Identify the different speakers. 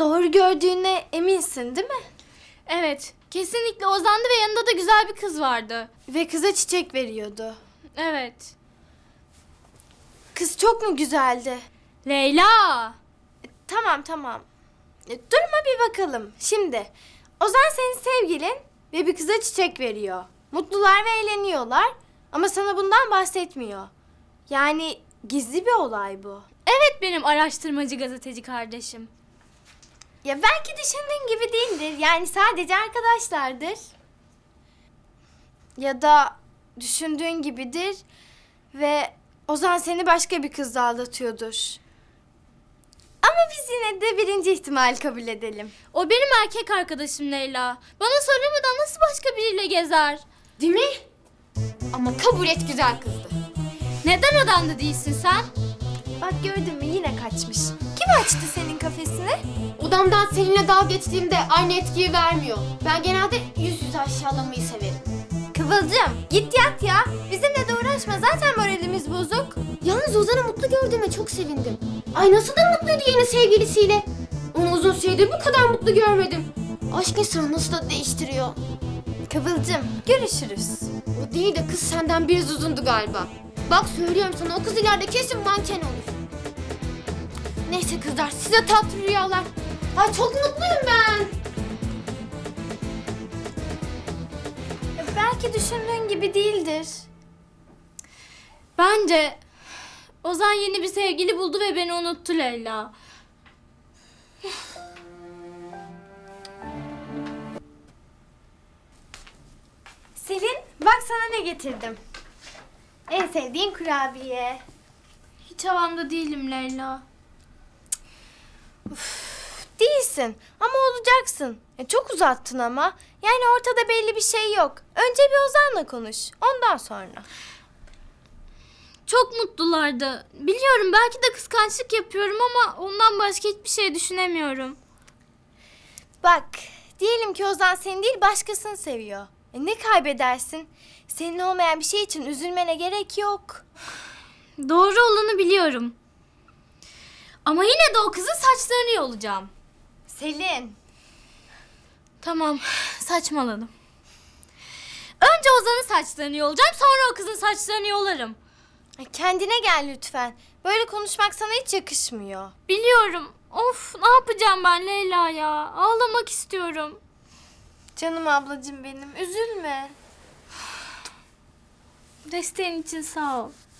Speaker 1: Doğru gördüğüne eminsin değil mi?
Speaker 2: Evet, kesinlikle Ozan'dı ve yanında da güzel bir kız vardı.
Speaker 1: Ve kıza çiçek veriyordu.
Speaker 2: Evet.
Speaker 1: Kız çok mu güzeldi?
Speaker 2: Leyla!
Speaker 1: Tamam. Duruma bir bakalım. Şimdi Ozan senin sevgilin ve bir kıza çiçek veriyor. Mutlular ve eğleniyorlar ama sana bundan bahsetmiyor. Yani gizli bir olay bu.
Speaker 2: Evet, benim araştırmacı gazeteci kardeşim.
Speaker 1: Ya belki düşündüğün gibi değildir. Yani sadece arkadaşlardır. Ya da düşündüğün gibidir ve Ozan seni başka bir kızla aldatıyordur. Ama biz yine de birinci ihtimali kabul edelim.
Speaker 2: O benim erkek arkadaşım Leyla. Bana söylemeden nasıl başka biriyle gezer?
Speaker 3: Değil mi? Ama kabul et, güzel kızdı.
Speaker 2: Neden odanda değilsin sen?
Speaker 1: Bak gördün mü yine kaçmış. Kim açtı senin kafesini?
Speaker 3: Odamdan seninle dalga geçtiğimde aynı etkiyi vermiyor. Ben genelde yüz yüze aşağılamayı severim.
Speaker 1: Kıvılcım git yat ya. Bizimle de uğraşma zaten moralimiz bozuk.
Speaker 3: Yalnız Ozan'ı mutlu gördüğüme çok sevindim. Ay nasıl da mutluydu yeni sevgilisiyle. Onu uzun süredir bu kadar mutlu görmedim. Aşk insanı nasıl da değiştiriyor.
Speaker 1: Kıvılcım görüşürüz.
Speaker 3: O değil de kız senden biraz uzundu galiba. Bak söylüyorum sana, o kız ileride kesin manken olur. Neyse kızlar, size tatlı rüyalar. Ay çok mutluyum ben.
Speaker 1: Belki düşündüğün gibi değildir.
Speaker 2: Bence Ozan yeni bir sevgili buldu ve beni unuttu Leyla.
Speaker 1: Selin bak sana ne getirdim. En sevdiğin kurabiye.
Speaker 2: Hiç havamda değilim Leyla.
Speaker 1: Değilsin ama olacaksın. Çok uzattın ama. Yani ortada belli bir şey yok. Önce bir Ozan'la konuş. Ondan sonra.
Speaker 2: Çok mutlulardı. Biliyorum belki de kıskançlık yapıyorum ama ondan başka hiçbir şey düşünemiyorum.
Speaker 1: Bak diyelim ki Ozan seni değil başkasını seviyor. Ne kaybedersin? Senin olmayan bir şey için üzülmene gerek yok.
Speaker 2: Doğru olanı biliyorum. Ama yine de o kızın saçlarını yolacağım.
Speaker 1: Selin.
Speaker 2: Tamam, saçmaladım. Önce Ozan'ın saçlarını yolacağım, sonra o kızın saçlarını yolarım.
Speaker 1: Kendine gel lütfen. Böyle konuşmak sana hiç yakışmıyor.
Speaker 2: Biliyorum. Of, ne yapacağım ben Leyla ya? Ağlamak istiyorum.
Speaker 1: Canım ablacığım benim. Üzülme.
Speaker 2: Desteğin için sağ ol.